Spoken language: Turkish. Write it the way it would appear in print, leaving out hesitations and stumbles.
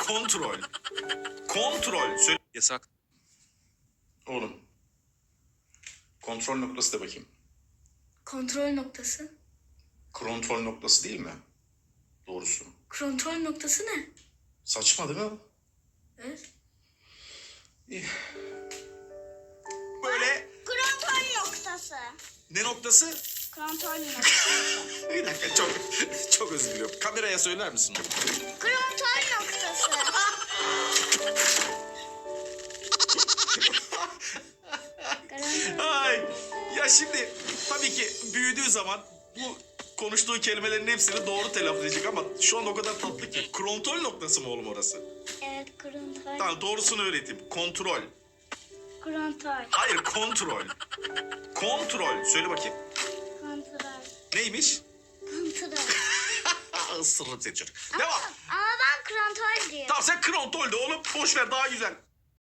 Kontrol. Kontrol. Söyle. Yasak. Oğlum. Kontrol noktası da bakayım. Kontrol noktası. Kontrol noktası değil mi? Doğrusu. Kontrol noktası ne? Saçma değil mi? Evet. İyi. Böyle Kontrol noktası. ne noktası? Kontrol noktası. Bir dakika çok özür diliyorum. Kameraya söyler misin? Kontrol noktası. Ay ya şimdi tabii ki büyüdüğü zaman bu konuştuğu kelimelerin hepsini doğru telaffuz edecek ama şu an o kadar tatlı ki. Kontrol noktası mı oğlum orası? Evet, kontrol. Tamam doğrusunu öğreteyim. Kontrol. Kontrol. Hayır kontrol. Kontrol. Söyle bakayım. Kontrol. Neymiş? Kontrol. Isırırım seni çocuk. Devam. Ama ben kontrol diyorum. Tamam sen kontrol de oğlum. Boş ver daha güzel.